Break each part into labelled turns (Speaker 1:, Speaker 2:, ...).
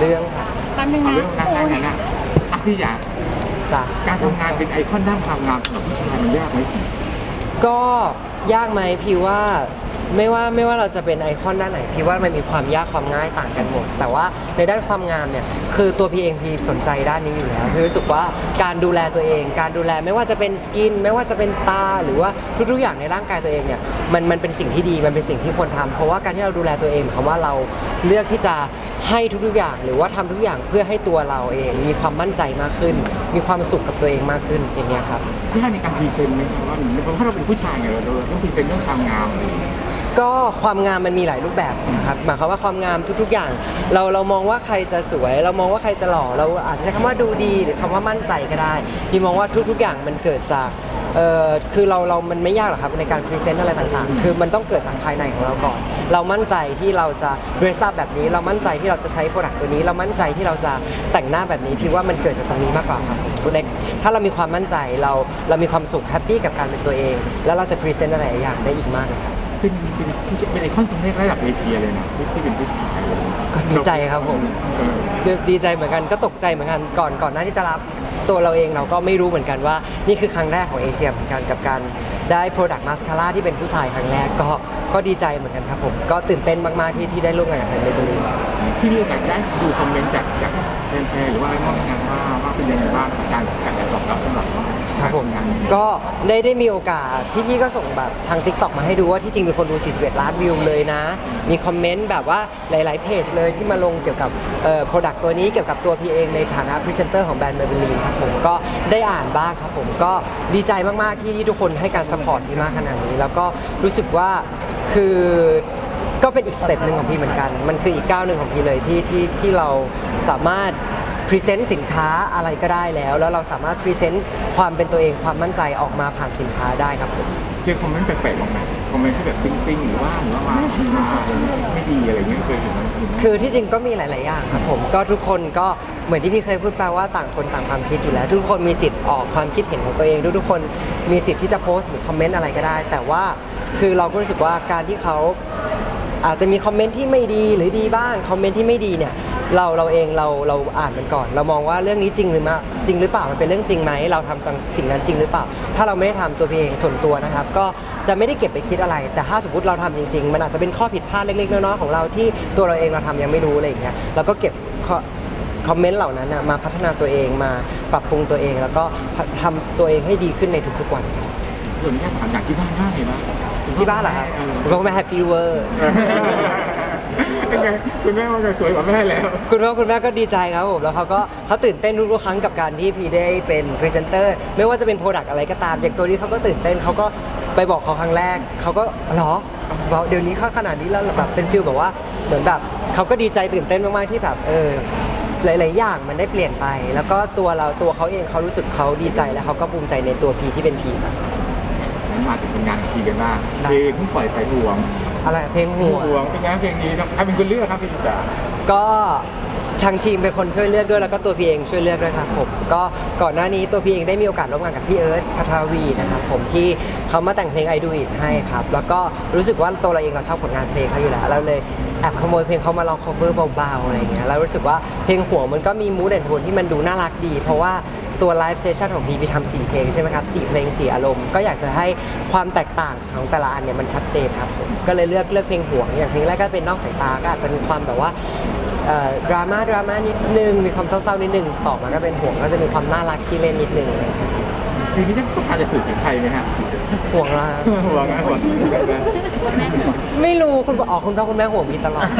Speaker 1: เรื่องค่ะ
Speaker 2: แป๊บนึงนะ
Speaker 3: เรื่องการงานนะพี่อยาก
Speaker 1: จ้ะ
Speaker 3: การทำงานเป็นไอคอนด้านความงามสำหรับผู้ชายมันยากไหม
Speaker 1: ก็ยากไหมพี่ว่าไม่ว่าเราจะเป็นไอคอนด้านไหนพี่ว่ามันมีความยากความง่ายต่างกันหมดแต่ว่าในด้านความงามเนี่ยคือตัวพี่เองพี่สนใจด้านนี้อยู่แล้วพี่รู้สึกว่าการดูแลตัวเองการดูแลไม่ว่าจะเป็นสกินไม่ว่าจะเป็นตาหรือว่าทุกๆอย่างในร่างกายตัวเองเนี่ยมันเป็นสิ่งที่ดีมันเป็นสิ่งที่ควรทำเพราะว่าการที่เราดูแลตัวเองหมายความว่าเราเลือกที่จะให้ทุกๆอย่างหรือว่าทำทุกอย่างเพื่อให้ตัวเราเองมีความมั่นใจมากขึ้น มีความสุขกับตัวเองมากขึ้นอย่างเงี้ยครับ
Speaker 3: พี่ให้ในการพรีเซนต์ไหมว่าเพราะเราเป็นผู้ชายไงเราต้องพรีเซนต์เรื่องความงามอะไรอย่างเงี้ย
Speaker 1: ก็ความงามมันมีหลายรูปแบบนะครับหมายความว่าความงามทุกๆอย่างเรามองว่าใครจะสวย เรามองว่าใครจะหล่อเราอาจจะใช้คำว่าดูดีหรือคำว่ามั่นใจก็ได้พี่มองว่าทุกๆอย่างมันเกิดจากคือเรามันไม่ยากหรอกครับในการพรีเซนต์อะไรต่างๆคือมันต้องเกิดจากภายในของเราก่อนเรามั่นใจที่เราจะเดรสอัพแบบนี้เรามั่นใจที่เราจะใช้โปรดักต์ตัวนี้เรามั่นใจที่เราจะแต่งหน้าแบบนี้พี่ว่ามันเกิดจากตรงนี้มากกว่าครับคุณเล็กถ้าเรามีความมั่นใจเรามีความสุขแฮปปี้กับการเป็นตัวเองแล้วเราจะพรีเซนต์อะไรหลายอย่างได้อีกมากเลยครับ
Speaker 3: เป็นไอคอนตรงนี้ระดับเอเชียเลยนะที่เป็นผู้ชาย
Speaker 1: ก็ดีใจครับผมดีใจเหมือนกันก็ตกใจเหมือนกันก่อนหน้าที่จะรับตัวเราเองเราก็ไม่รู้เหมือนกันว่านี่คือครั้งแรกของเอเชียเหมือนกันกับการได้ Product Mascara ที่เป็นผู้ชายครั้งแรกก็ดีใจเหมือนกันครับผมก็ตื่นเต้นมากๆที่ได้ร่วมงานกับแบรนด์เมเบลีน
Speaker 3: ที่มีโอกาสได้ดูคอมเมนต์จากแฟนๆหรือว่าอะไรบ้างงานว่าเป็นยังไงบ้างการตอบรับสำหรับ
Speaker 1: ครับผมก็ได้มีโอกาสพี่ก็ส่งแบบทาง TikTok มาให้ดูว่าที่จริงมีคนดู41 ล้านวิวเลยนะมีคอมเมนต์แบบว่าหลายๆเพจเลยที่มาลงเกี่ยวกับProduct ตัวนี้เกี่ยวกับตัวพี่เองในฐานะพรีเซนเตอร์ของแบรนด์ Maybelline ครับผมก็ได้อ่านบ้างครับผมก็ดีใจมากๆที่ทุกคนให้การซัพพอร์ตที่มากขนาดนี้แล้วก็รู้สึกว่าคือก็เป็นอีกสเต็ปหนึ่งของพี่เหมือนกันมันคืออีกก้าวหนึ่งของพี่เลยที่เราสามารถพรีเซนต์สินค้าอะไรก็ได้แล้วเราสามารถพรีเซนต์ความเป็นตัวเองความมั่นใจออกมาผ่านสินค้าได้ครับผม
Speaker 3: เจอคอมเมนต์แปลกๆบ้างไหมคอมเมนต์ที่แบบติ้งๆหรือว่ามาไม่ดีอะไรเงี้ยเคยเห็นไหม
Speaker 1: คือที่จริงก็มีหลายๆอย่างครับผมก็ทุกคนก็เหมือนที่พี่เคยพูดไปว่าต่างคนต่างความคิดอยู่แล้ว ทุกคนมีสิทธิ์ออกความคิดเห็นของตัวเองทุกคนมีสิทธิ์ที่จะโพสต์หรือคอมเมนต์อะไรก็ได้ แต่ว่าคือเราก็รู้สึกว่าการที่เขาอาจจะมีคอมเมนต์ที่ไม่ดีหรือดีบ้างคอมเมนต์ที่ไม่ดีเนี่ยเราเองเราอ่านมันก่อน เรามองว่าเรื่องนี้จริงหรือเปล่ามันเป็นเรื่องจริงไหมเราทำสิ่งนั้นจริงหรือเปล่า ถ้าเราไม่ได้ทำตัวพี่เองส่วนตัวนะครับก็จะไม่ได้เก็บไปคิดอะไร แต่ถ้าสมมติเราทำจริงๆมันอาจจะเป็นข้อผิดพลาดเล็กๆน้อยๆของเราที่ตัวเราเองเราทำยังไม่รู้อะไรอย่างเงี้ยเราก็เก็บคอมเมนต์เหล่านั้นมาพัฒนาตัวเองมาปรับปรุงตัวเอง แล้วก็ทำตัวเองให้ดีขึ้นในทุกๆวัน
Speaker 3: ส่วนนี้ถามอย่างที่บ้านไงบ้าง
Speaker 1: ที่บ้านเหรอครับคุณแม่แฮปปี้เวอร์
Speaker 3: เป็นไงคุณแม่ว่าจะสวยกว่าแม่แล้ว
Speaker 1: คุณแม่ก็ดีใจครับผมแล้วเขาตื่นเต้นทุกๆครั้งกับการที่พี่ได้เป็นพรีเซนเตอร์ไม่ว่าจะเป็นโปรดักต์อะไรก็ตามอย่างตัวนี้เขาก็ตื่นเต้นเขาก็ไปบอกเขาครั้งแรกเขาก็เหรอบอกเดี๋ยวนี้เขาขนาดนี้แล้วแบบเป็นฟิลแบบว่าเหมือนแบบเขาก็ดีใจตื่นเต้นมากๆที่แบบหลายๆอย่างมันได้เปลี่ยนไป แล้วก็ตัวเขาเองเขารู้สึกเขาดีใจและเขาก็ภูมิใจในตัวพีที่เป็นพีครับ
Speaker 3: มาถึงงานทีกันบ้างเพลงเพิ่งปล่อยไปห่วง
Speaker 1: อะไรเพลงหัว
Speaker 3: เป็นไงเพลงนี้ใครเป็นคนเลือกครับพี่จ๋า
Speaker 1: ก็ทางทีมเป็นคนช่วยเลือกด้วยแล้วก็ตัวพี่เองช่วยเลือกด้วยครับผมก็ก่อนหน้านี้ตัวพี่เองได้มีโอกาสร่วมงานกับพี่เอิร์ธพัทรวีนะครับผมที่เขามาแต่งเพลง I Do It ให้ครับแล้วก็รู้สึกว่าตัวเราเองเราชอบผลงานเพลงเขาอยู่แล้วเราเลยแอบขโมยเพลงเขามาลอง cover เบาๆอะไรอย่างเงี้ยแล้วรู้สึกว่าเพลงหัวมันก็มีมูดแอนด์โทนที่มันดูน่ารักดีเพราะว่าตัวไลฟ์เซสชั่นของพีทำ4เพลงใช่ไหมครับ4เพลง4อารมณ์ก็อยากจะให้ความแตกต่างของแต่ละอันเนี่ยมันชัดเจนครับผมก็เลยเลือกเพลงห่วงอย่างเพลงแรกก็เป็นนอกสายตาก็อาจจะมีความแบบว่าดราม่านิดนึงมีความเศร้าๆนิดนึงต่อมาก็เป็นห่วงก็จะมีความน่ารักที่เล่นนิดนึง
Speaker 3: ทีนี้ต้องการจะสื่อถึงใครไหมฮะ
Speaker 1: ห่วงละ
Speaker 3: ห่วงนะห่วง
Speaker 1: ไม่รู้คุณพ่อคุณพ่อคุณแม่ห่วงพีตลอด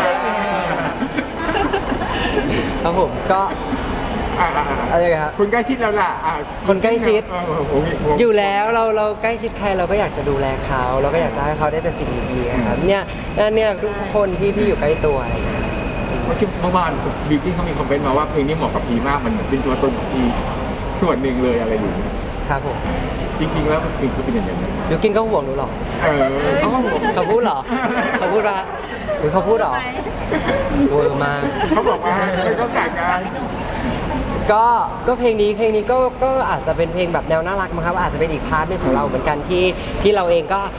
Speaker 1: ครับผมก็อะไรครับ
Speaker 3: คนใกล้ชิดเราล่ะ
Speaker 1: คนใกล้ชิดอยู่แล้วเราใกล้ชิดใครเราก็อยากจะดูแลเขาเราก็อยากจะให้เขาได้แต่สิ่งดีๆครับเนี่ยทุกคนที่อยู่ใกล้ตัวอะไรอย่างเงี้ย
Speaker 3: เมื่อวานบิวกิ้งเขามีคอมเมนต์มาว่าเพลงนี้เหมาะกับพีมากมันเป็นตัวตนของพีส่วนหนึ่งเลยอะไรอยู่
Speaker 1: ครับผม
Speaker 3: จริงๆแล้วมันคือเป็นอย่างนั้น
Speaker 1: ยูกินก็ห่วงหนูหรอ
Speaker 3: เขาก็บอก
Speaker 1: เขาพูดเหรอเขาพูดว่าหรือเขาพูดเหรอเวอร์มาก
Speaker 3: เขาบอกว่าไม่ต้องแต่งงาน
Speaker 1: ก็เพลงนี้ก็อาจจะเป็นเพลงแบบแนวน่ารักมั้งครับอาจจะเป็นอีกพาร์ทนึงของเราเหมือนกันที่เราเองก็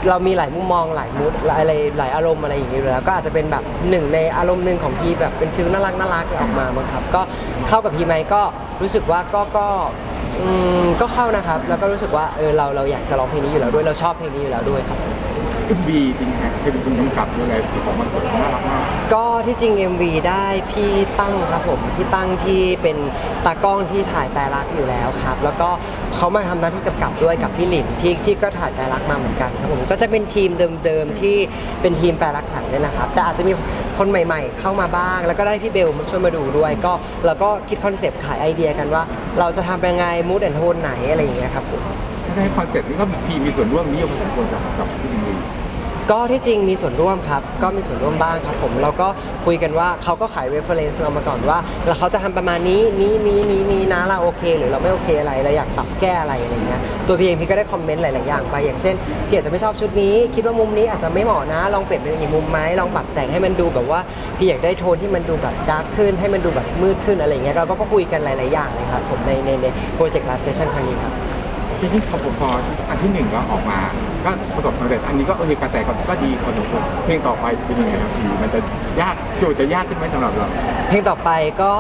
Speaker 1: เรามีหลายมุมมองหลายมูดหลายอารมณ์อะไรอย่างเงี้ยอยู่แล้วก็อาจจะเป็นแบบหนึ่งในอารมณ์หนึ่งของพี่แบบเป็นฟิลน่ารักออกมามั้งครับก็เข้ากับพี่ไหมก็รู้สึกว่าก็เข้านะครับแล้วก็รู้สึกว่าเราอยากจะร้องเพลงนี้อยู่แล้วด้วยเราชอบเพลงนี้อยู่แล้วด้วยครับ
Speaker 3: MV เป็นไงเป็นคุณกำกับด้วยที่ออกมาสวยน่ารักมาก
Speaker 1: ก็ที่จริง MV ได้พี่ตั้งครับผมพี่ตั้งที่เป็นตากล้องที่ถ่ายแต่รักอยู่แล้วครับแล้วก็เขามาทำหน้าที่กำกับด้วยกับพี่หลินที่ก็ถ่ายแต่รักมาเหมือนกันครับผมก็จะเป็นทีมเดิมๆที่เป็นทีมแปลรักฉันเนี่ยนะครับแต่อาจจะมีคนใหม่ๆเข้ามาบ้างแล้วก็ได้พี่เบลมาช่วยมาดูด้วยก็เราก็คิดคอนเซปต์ขายไอเดียกันว่าเราจะทำเป็นยังไงมูดแอนโทนไหนอะไรอย่างเงี้ยครับผม
Speaker 3: ถ้าให้คอนเซ็ปต์นี้ก็พีมีส่วนร่วมนี้อยู่พอสมควรกับที่ MV
Speaker 1: ก็ที่จริงมีส่วนร่วมครับก็มีส่วนร่วมบ้างครับผมเราก็คุยกันว่าเขาก็ขาย reference เรามาก่อนว่าแล้วเขาจะทำประมาณนี้นะเราโอเคหรือเราไม่โอเคอะไรเราอยากปรับแก้อะไรอะไรเงี้ยตัวพี่เองพี่ก็ได้คอมเมนต์หลายๆอย่างไปอย่างเช่นพี่อาจจะไม่ชอบชุดนี้คิดว่ามุมนี้อาจจะไม่เหมาะนะลองเปลี่ยนเป็นอีกมุมไหมลองปรับแสงให้มันดูแบบว่าพี่อยากได้โทนที่มันดูแบบดาร์กขึ้นให้มันดูแบบมืดขึ้นอะไรเงี้ยเราก็คุยกันหลายๆอย่างเลยครับผมในโปรเจกต์ live session ครั้งนี้ครับ
Speaker 3: ที่นี่พออันที่หนึ่งก็ออกมาก็ประสบความสำเร็จอันนี้ก็โอเคกระแสก็ดีพอสมควรเพลงต่อไปเป็นยังไงครับพี่มันจะยากโจทย์จะยากขึ้นไหมสำหรับเรา
Speaker 1: เพลงต่อไปก็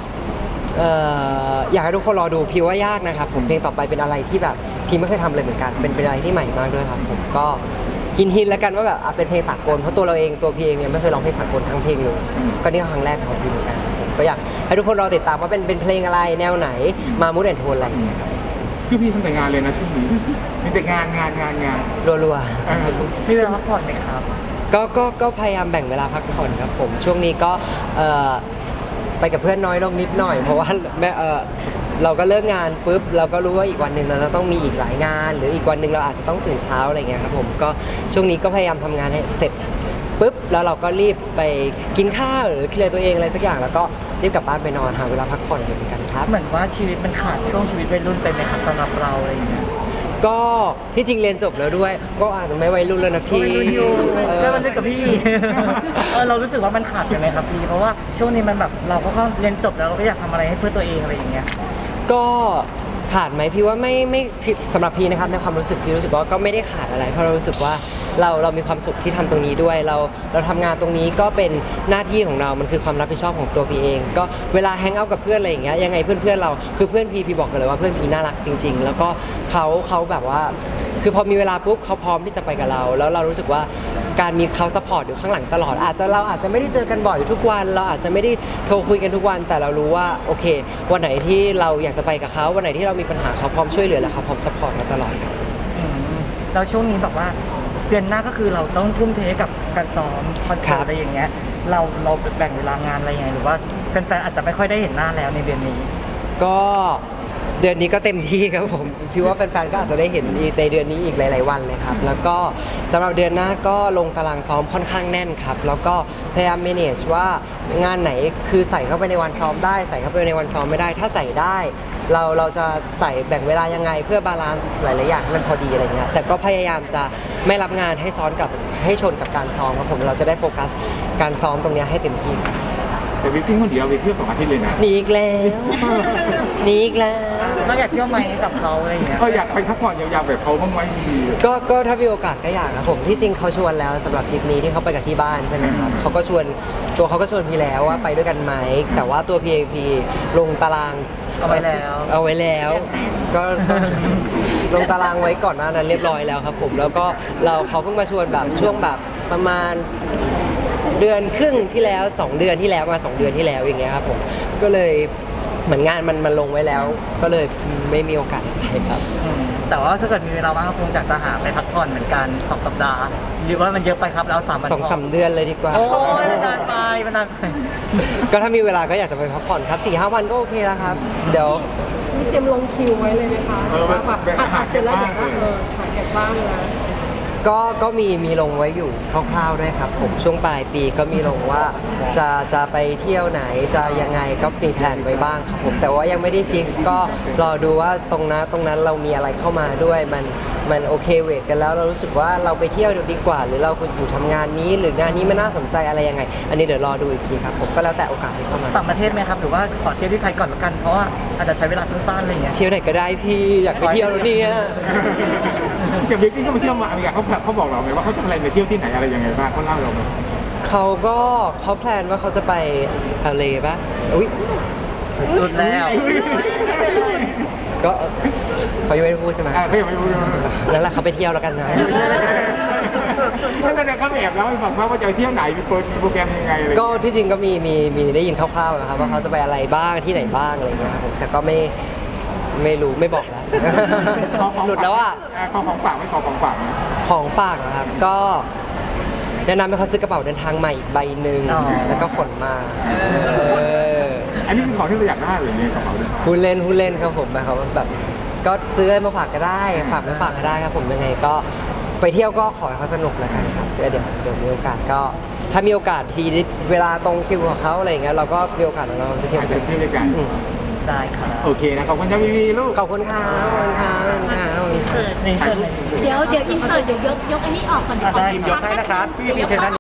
Speaker 1: อยากให้ทุกคนรอดูพี่ว่ายากนะครับผมเพลงต่อไปเป็นอะไรที่แบบพี่ไม่เคยทำเลยเหมือนกันเป็นอะไรที่ใหม่มากด้วยครับผมก็หินแล้วกันว่าแบบเป็นเพลงสากลเพราะตัวเราเองตัวพี่เองยังไม่เคยร้องเพลงสากลทั้งเพลงเลยก็นี่ครั้งแรกของพี่เหมือนกันผมก็อยากให้ทุกคนรอติดตามว่าเป็นเพลงอะไรแนวไหนมามูดแอนโทนอะไรอย่างเงี้ยครับ
Speaker 3: คือพี่ทำแต่งานเลยนะช่วงนี้มีแต่งาน
Speaker 1: รัว
Speaker 2: มีเวลาพักผ่อนไหมครับ
Speaker 1: ก็พยายามแบ่งเวลาพักผ่อนครับผมช่วงนี้ก็ไปกับเพื่อนน้อยลงนิดหน่อยเพราะว่าเราก็เลิกงานปุ๊บเราก็รู้ว่าอีกวันหนึ่งเราจะต้องมีอีกหลายงาน หรืออีกวันหนึ่งเราอาจจะต้องตื่นเช้าอะไรเงี้ยครับผมก็ช่วงนี้ก็พยายามทำงานให้เสร็จปุ๊บแล้วเราก็รีบไปกินข้าวหรือเคลียร์ตัวเองอะไรสักอย่างแล้วก็รีบกลับบ้านไปนอนหาเวลาพักผ่อนเหมือนกันครับ
Speaker 2: เหมือนว่าชีวิตมันขาดช่วงชีวิตวัยรุ่นไปไหมครับสำหรับเราอะไรอย่างเงี้ย
Speaker 1: ก็ที่จริงเรียนจบแล้วด้วย ก็อาจจะไม่วัยรุ่นแล้วนะ
Speaker 2: ก็
Speaker 1: พี่
Speaker 2: วัยรุ่นอยู่
Speaker 1: เออ
Speaker 2: ก็มันเล่นกับพี่ เรารู้สึกว่ามันขาดกันไหมครับพี่เพราะว่าช่วงนี้มันแบบเราก็เข้าเรียนจบแล้วเราก็อยากทำอะไรให้เพื่อตัวเองอะไรอย่างเงี้ย
Speaker 1: ก็ขาดไหมพี่ว่าไม่สำหรับพี่นะครับในความรู้สึกพี่รู้สึกว่าก็ไม่ได้ขาดอะไรเพราะเรารู้สึกว่าเรามีความสุขที่ทำตรงนี้ด้วยเราทำงานตรงนี้ก็เป็นหน้าที่ของเรา มันคือความรับผิดชอบของตัวพี่เอง ก็เวลาแฮงเอาท์กับเพื่อนอะไรอย่างเงี้ยยังไงเพื่อนเราคือเพื่อนพี่บอกกันเลยว่าเพื่อนพี่น่ารักจริง ๆ แล้วก็เขาแบบว่าคือพอมีเวลาปุ๊บเขาพร้อมที่จะไปกับเราแล้วเรารู้สึกว่าการมีเขาซัพพอร์ตอยู่ข้างหลังตลอดเราอาจจะไม่ได้เจอกันบ่อยทุกวันเราอาจจะไม่ได้โทรคุยกันทุกวันแต่เรารู้ว่าโอเควันไหนที่เราอยากจะไปกับเขาวันไหนที่เรามีปัญหาเขาพร้อมช่วยเหลือและเขาพร้อมซัพพอร์ตเราตลอดครับ
Speaker 2: แล้วช่วงนี้แบบว่าเดือนหน้าก็คือเราต้องทุ่มเทกับการซ้อมคอนเสิร์ตอะไรอย่างเงี้ยเราแบ่งเวลางานอะไรยังไงหรือว่าแฟนๆอาจจะไม่ค่อยได้เห็นหน้าแล้วในเดือนนี้
Speaker 1: ก็เดือนนี้ก็เต็มที่ครับผมพี่ว่าแฟนๆก็อาจจะได้เห็นในเดือนนี้อีกหลาย ๆ วันเลยครับแล้วก็สำหรับเดือนหน้าก็ลงตารางซ้อมค่อนข้างแน่นครับแล้วก็พยายาม manage ว่างานไหนคือใส่เข้าไปในวันซ้อมได้ใส่เข้าไปในวันซ้อมไม่ได้ถ้าใส่ได้เราจะใส่แบ่งเวลายังไงเพื่อบาลานซ์หลาย ๆ อย่างให้มันพอดีอะไรเงี้ยแต่ก็พยายามจะไม่รับงานให้ซ้อนกับให้ชนกับการซ้อมครับผมเราจะได้โฟกัสการซ้อมตรงเนี้ยให้เต็มที่ครับ
Speaker 3: แต่วิกกิ้งคนเดียวไปเที่ยว2 อาทิตย์เลยนะ
Speaker 1: หนีอีกแล้วหนีอีกแล้ว
Speaker 2: เราอยากเที่ยวไหมกับเขาอะไรอย่างเงี้ย
Speaker 3: ก็อยากไปพักผ่อนยาวๆแบบเขาบ้างไหมดี
Speaker 1: ก็ถ้ามีโอกาสก็อยากนะผมที่จริงเขาชวนแล้วสำหรับทริปนี้ที่เขาไปกับที่บ้านใช่ไหมครับเขาก็ชวนตัวเขาก็ชวนพี่แล้วว่าไปด้วยกันไหมแต่ว่าตัว PAP ลงตาราง
Speaker 2: เอาไว้แล้ว
Speaker 1: เอาไว้แล้วก็ลงตารางไว้ก่อนหน้านั้นเรียบร้อยแล้วครับผมแล้วก็เขาเพิ่งมาชวนแบบช่วงแบบประมาณเดือนครึ่งที่แล้ว2 เดือนที่แล้วมา2 เดือนที่แล้วอย่างเงี้ยครับผมก็เลยเหมือนงานมันลงไว้แล้ว ก็เลยไม่มีโอกาสไปครับ
Speaker 2: แต่ว่าถ้าเกิดมีเวลาว่างก็คงจะหาไปพักผ่อนเหมือนกัน2 สัปดาห์หรือว่ามันเยอะไปครับแล้ว3 วัน
Speaker 1: 2-3 เดือนเลยดีกว่า
Speaker 2: โอ้ยมันนานไปมันนานไป
Speaker 1: ก็ถ้ามีเวลาก็อยากจะไปพักผ่อนครับ 4-5 วันก็โอเคแล้วครับ เดี๋ยว
Speaker 4: มีเตรียมลงคิวไว้เลยไหมคะว่าแบบอัดเสร็จแล้วเดี๋ยวก็ถ่ายเก็บบ้างแล้ว
Speaker 1: ก็มีลงไว้อยู่คร่าวๆด้วยครับผมช่วงปลายปีก็มีลงว่าจะไปเที่ยวไหนจะยังไงก็มีแผนไว้บ้างครับผมแต่ว่ายังไม่ได้ฟิกซ์ก็รอดูว่าตรงนั้นเรามีอะไรเข้ามาด้วยมันมันโอเคเวทกันแล้วเรารู้สึกว่าเราไปเที่ยวดีกว่า หรือเราอยู่ทำงานนี้หรืองานนี้มันน่าสนใจอะไรยังไง อันนี้เดี๋ยวรอดูอีกทีครับผมก็แล้วแต่โอกาสที่เข้ามา
Speaker 2: ต่างประเทศไหมครับหรือว่าขอเที่ยวที่ไทยก่อนละกันเพราะว่าอาจจะใช้เวลาสั้นๆอะไรอย่างเงี้ย
Speaker 1: เที่ยวไหนก็ได้พี่อยากไปเที่ยวแล้วเนี่ย
Speaker 3: อย่างบิ๊กนี่ก็ไปเที่ยวมาอเมริกาเขาบอกเราไหมว่าเขาจะอะไรไปเที่ยวที่ไหนอะไรยังไงบ้างเขาเล่าเราไหม
Speaker 1: เขาแพลนว่าเขาจะไปLAป่ะอุ้ย
Speaker 2: สุดแล้ว
Speaker 1: ก็เขายังไม่ได้พูดใช่ไหม
Speaker 3: เขายังไม่รู้เลย
Speaker 1: นั่นแหละเขาไปเที่ยวแล้วกันนะ
Speaker 3: ถ้าเนี่ยเขาแอบแล้วให้ฟังว่าจะไปเที่ยวไหนมีโปรแกรมยังไงอะไร
Speaker 1: ก็ที่จริงก็มีได้ยินคร่าวๆนะครับว่าเขาจะไปอะไรบ้างที่ไหนบ้างอะไรเงี้ยครับผมแต่ก็ไม่รู้ไม่บอกแล้ว หลุดแล้วอ่ะ
Speaker 3: ของฝากไม่ขอของฝากนะ
Speaker 1: ของฝากนะครับก็แนะนำให้เขาซื้อกระเป๋าเดินทางใหม่อีกใบหนึ่ง
Speaker 2: อ๋อ
Speaker 1: แล้วก็ขนมาอ
Speaker 3: อันนี้คือของที่เราอยากได้หรือเนี่ยกระเป๋าเนี่ย
Speaker 1: พูดเล่นครับผมหมายความว่าแบบก็ซื้ออะไรมาฝากก็ได้ฝากไม่ฝากก็ได้ครับผมยังไงก็ไปเที่ยวก็ขอให้เขาสนุกแล้วกันครับเดี๋ยวมีโอกาสก็ถ้ามีโอกาสทีเวลาตรงคิวของเขาอะไรอย่างเงี้ยเราก็มีโอกาสของเราไปเที่ยว
Speaker 3: อาจ
Speaker 1: กั
Speaker 3: จะ
Speaker 1: น
Speaker 3: เที่ยวด้วยกัน
Speaker 1: อืม
Speaker 2: ได้ครับ
Speaker 3: โอเคนะขอบคุณจ้าวีลูก
Speaker 1: ขอบคุณครับขอบคุณครับขอบคุณครับ
Speaker 2: นี่เชิญเลย
Speaker 4: เดี๋ยวอินเสิร์ตเดี๋ยวยกอันนี้ออกก่อน
Speaker 2: ได้ยกให้นะครับพี่มีเชิญด้าน